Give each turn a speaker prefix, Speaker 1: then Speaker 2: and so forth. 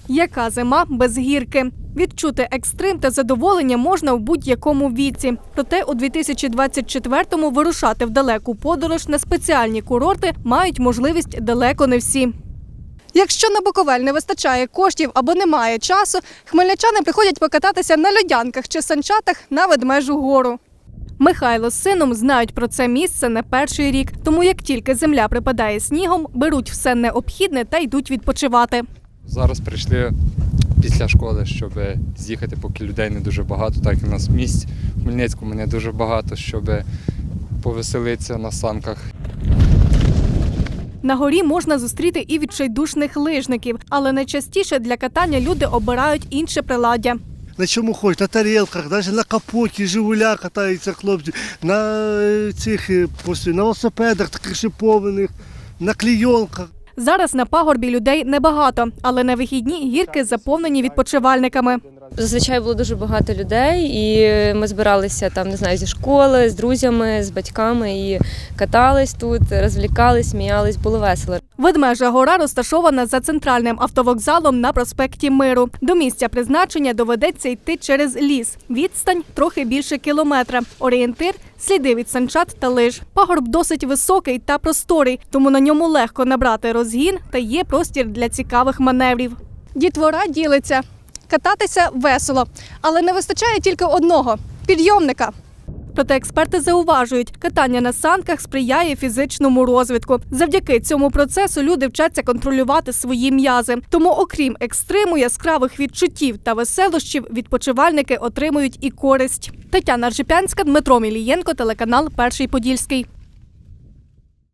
Speaker 1: Яка зима без гірки? Відчути екстрим та задоволення можна в будь-якому віці. Проте у 2024-му вирушати в далеку подорож на спеціальні курорти мають можливість далеко не всі. Якщо на Буковель не вистачає коштів або немає часу, хмельничани приходять покататися на льодянках чи санчатах на Ведмежу гору. Михайло з сином знають про це місце не перший рік, тому як тільки земля припадає снігом, беруть все необхідне та йдуть відпочивати.
Speaker 2: Зараз прийшли після школи, щоб з'їхати, поки людей не дуже багато, так і у нас місць в Хмельницькому не дуже багато, щоб повеселитися на санках.
Speaker 1: На горі можна зустріти і відчайдушних лижників, але найчастіше для катання люди обирають інше приладдя.
Speaker 3: На чому хочеш, на тарілках, навіть на капоті, «Жигуля» катаються хлопці, на велосипедах таких шипованих, на клійонках.
Speaker 1: Зараз на пагорбі людей небагато, але на вихідні гірки заповнені відпочивальниками.
Speaker 4: Зазвичай було дуже багато людей, і ми збиралися там, не знаю, зі школи, з друзями, з батьками і катались тут, розвлікались, сміялись, було весело.
Speaker 1: Ведмежа гора розташована за центральним автовокзалом на проспекті Миру. До місця призначення доведеться йти через ліс. Відстань трохи більше кілометра. Орієнтир – сліди від санчат та лиж. Пагорб досить високий та просторий, тому на ньому легко набрати розгін та є простір для цікавих маневрів. Дітвора ділиться. Кататися весело, але не вистачає тільки одного – підйомника. Проте експерти зауважують, катання на санках сприяє фізичному розвитку. Завдяки цьому процесу люди вчаться контролювати свої м'язи. Тому, окрім екстриму, яскравих відчуттів та веселощів, відпочивальники отримують і користь. Тетяна Ржепянська, Дмитро Мілієнко, телеканал «Перший Подільський».